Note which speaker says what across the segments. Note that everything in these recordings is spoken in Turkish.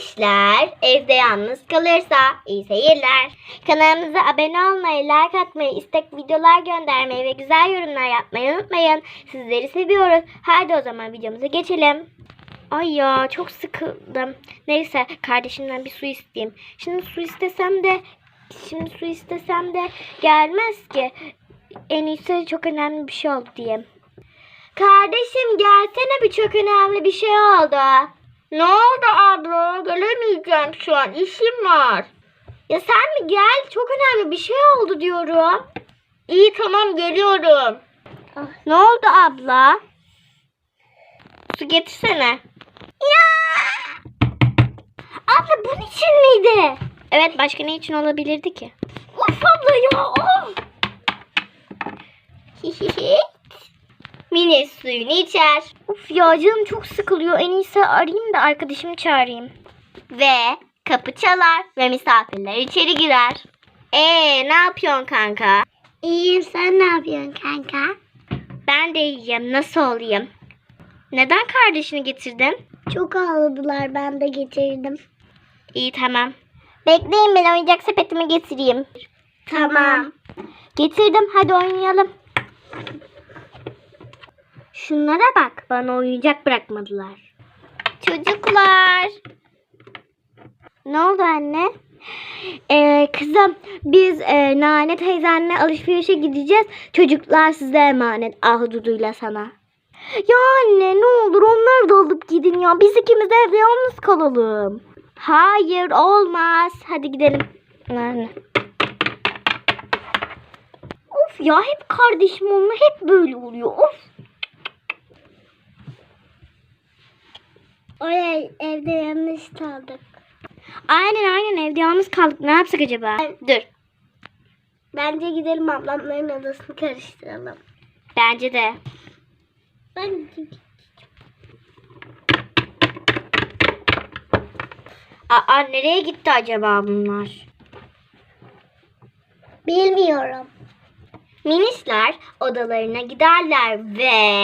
Speaker 1: Minişler evde yalnız kalırsa iyi seyirler. Kanalımıza abone olmayı, like atmayı, istek videolar göndermeyi ve güzel yorumlar yapmayı unutmayın. Sizleri seviyoruz. Hadi o zaman videomuza geçelim. Ay ya çok sıkıldım. Neyse kardeşimden bir su isteyeyim. Şimdi su istesem de gelmez ki. En iyisi çok önemli bir şey oldu diyeyim. Kardeşim gelsene, bir çok önemli bir şey oldu. Ne oldu abla? Gelemeyeceğim şu an. İşim var. Ya sen mi gel? Çok önemli bir şey oldu diyorum. İyi tamam geliyorum. Ne oldu abla? Su getirsene. Ya! Abla bunun için miydi? Evet, başka ne için olabilirdi ki? Of abla ya! Of! Mini suyunu içer. Of ya canım çok sıkılıyor. En iyisi arayayım da arkadaşımı çağırayım. Ve kapı çalar ve misafirler içeri girer. Ne yapıyorsun kanka?
Speaker 2: İyiyim, sen ne yapıyorsun kanka?
Speaker 1: Ben de iyiyim. Nasıl olayım? Neden kardeşini getirdin?
Speaker 2: Çok ağladılar, ben de getirdim.
Speaker 1: İyi tamam. Bekleyin, ben oyuncak sepetimi getireyim.
Speaker 2: Tamam.
Speaker 1: Getirdim, hadi oynayalım. Şunlara bak, bana oyuncak bırakmadılar. Çocuklar. Ne oldu anne? Kızım biz Nane teyzenle alışverişe gideceğiz. Çocuklar size emanet, Ahududuyla sana. Ya anne ne olur onları da alıp gidin ya. Biz ikimiz evde yalnız kalalım. Hayır olmaz. Hadi gidelim. Anne. Of ya hep kardeşim onunla hep böyle oluyor. Of.
Speaker 2: Oraya evde yalnız kaldık.
Speaker 1: Aynen evde yalnız kaldık. Ne yapsak acaba? Dur.
Speaker 2: Bence gidelim ablamların odasını karıştıralım.
Speaker 1: Bence de.
Speaker 2: Bence.
Speaker 1: Nereye gitti acaba bunlar?
Speaker 2: Bilmiyorum.
Speaker 1: Minisler odalarına giderler ve...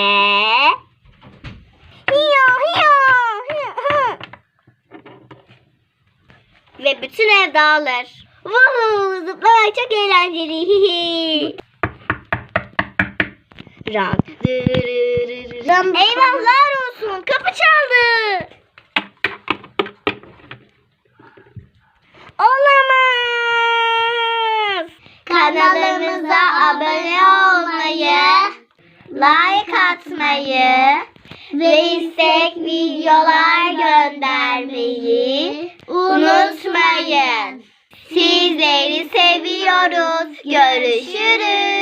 Speaker 1: Ve bütün ev dağılır. Woohoo! Zıplamak çok eğlenceli. Ram. Eyvahlar olsun. Kapı çaldı. Olamaz. Kanalımıza abone olmayı, like atmayı ve istek videolar göndermeyi unutmayın. Sizleri seviyoruz. Görüşürüz.